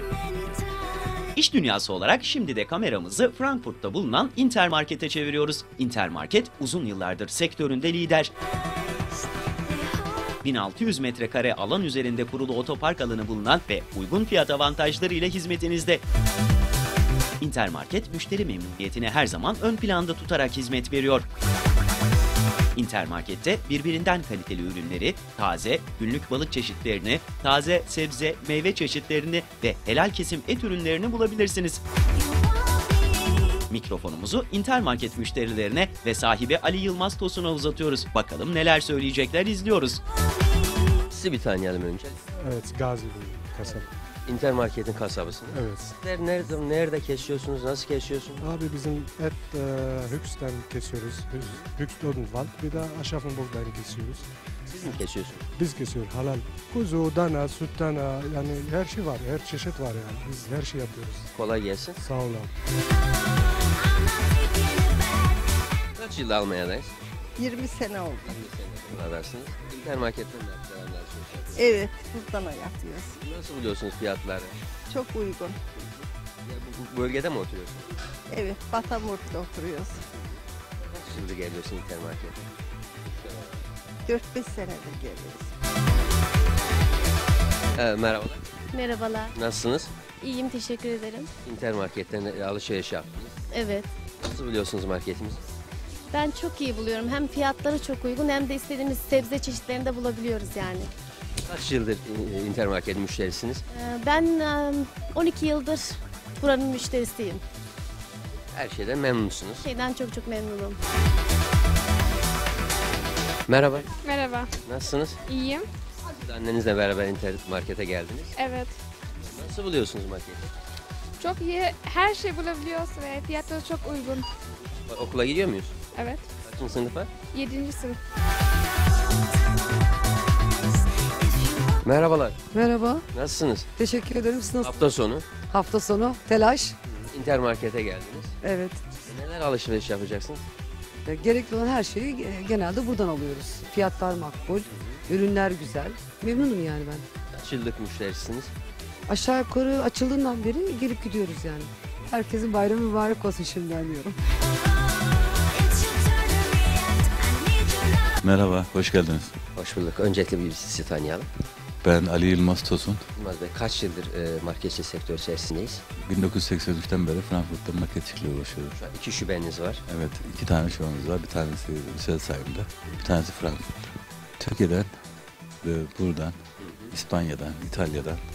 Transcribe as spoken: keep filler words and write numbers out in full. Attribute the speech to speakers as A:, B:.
A: İş dünyası olarak şimdi de kameramızı Frankfurt'ta bulunan Intermarket'e çeviriyoruz. Intermarket uzun yıllardır sektöründe lider. bin altı yüz metrekare alan üzerinde kurulu otopark alanı bulunan ve uygun fiyat avantajları ile hizmetinizde. Intermarket müşteri memnuniyetini her zaman ön planda tutarak hizmet veriyor. Intermarket'te birbirinden kaliteli ürünleri, taze, günlük balık çeşitlerini, taze sebze, meyve çeşitlerini ve helal kesim et ürünlerini bulabilirsiniz. Mikrofonumuzu Intermarket müşterilerine ve sahibi Ali Yılmaz Tosun'a uzatıyoruz. Bakalım neler söyleyecekler, izliyoruz.
B: Sizi bir tanıyalım önce.
C: Evet, Gazi kasap.
B: Intermarket'in kasabısınız.
C: Evet.
B: Nerede, nerede, nerede kesiyorsunuz, nasıl kesiyorsunuz?
C: Abi bizim et e, Hüks'ten kesiyoruz. Hüks, Hüks Odenwald. Bir de Aschaffenburg'dan kesiyoruz.
B: Siz mi kesiyorsunuz?
C: Biz kesiyoruz halal. Kuzu, dana, süt dana, yani her şey var. Her çeşit var yani. Biz her şey yapıyoruz.
B: Kolay gelsin.
C: Sağ olun.
B: Kaç yıl Almanya'dayız?
D: yirmi sene oldu.
B: Buralardasınız. Intermarket'ten de yapıyorsunuz.
D: Evet, buradan yapıyoruz.
B: Nasıl buluyorsunuz fiyatları?
D: Çok uygun.
B: Ya bu, bu bölgede mi oturuyorsunuz?
D: Evet, Batamurt'ta oturuyoruz.
B: Kaç yıldır geliyorsun Intermarket'e?
D: dört beş senedir geliyoruz.
B: Ee, merhabalar.
E: Merhabalar.
B: Nasılsınız?
E: İyiyim, teşekkür ederim.
B: Intermarket'ten alışveriş yaptınız.
E: Evet.
B: Nasıl biliyorsunuz marketimizi?
E: Ben çok iyi buluyorum. Hem fiyatları çok uygun hem de istediğimiz sebze çeşitlerini de bulabiliyoruz yani.
B: Kaç yıldır e, Intermarket müşterisiniz?
E: Ee, Ben e, on iki yıldır buranın müşterisiyim.
B: Her şeyden memnunsunuz.
E: Şeyden çok çok memnunum.
B: Merhaba.
F: Merhaba,
B: Nasılsınız?
F: iyiyim.
B: Siz annenizle beraber Intermarket'e geldiniz.
F: Evet,
B: Nasıl buluyorsunuz marketi?
F: çok iyi. Her şey bulabiliyoruz ve fiyatları çok uygun.
B: Okula gidiyor muyuz?
F: Evet,
B: Kaçıncı sınıfa?
F: yedinci sınıf.
B: Merhabalar.
G: Merhaba,
B: Nasılsınız?
G: teşekkür ederim. Siz nasılsınız?
B: Hafta sonu
G: Hafta sonu, telaş.
B: Intermarket'e geldiniz.
G: Evet.
B: Neler alışveriş yapacaksınız?
G: E, Gerekli olan her şeyi e, genelde buradan alıyoruz. Fiyatlar makbul, ürünler güzel. Memnunum yani ben.
B: Kaç yıllık müşterisiniz?
G: Aşağı yukarı açıldığından beri gelip gidiyoruz yani. Herkesin bayramı mübarek olsun şimdiden diyorum.
H: Merhaba, hoş geldiniz.
B: Hoş bulduk. Öncelikle bir sizi tanıyalım.
H: Ben Ali Yılmaz Tosun.
B: Yılmaz Bey, kaç yıldır e, marketçi sektör içerisindeyiz?
H: bin dokuz yüz seksen üçten beri Frankfurt'ta marketçilikle uğraşıyorum.
B: Şu an iki şubeniz var.
H: Evet, iki tane şubemiz var. Bir tanesi Rüsselsheim'de, bir tanesi Frankfurt'ta. Türkiye'den ve buradan, İspanya'dan, İtalya'dan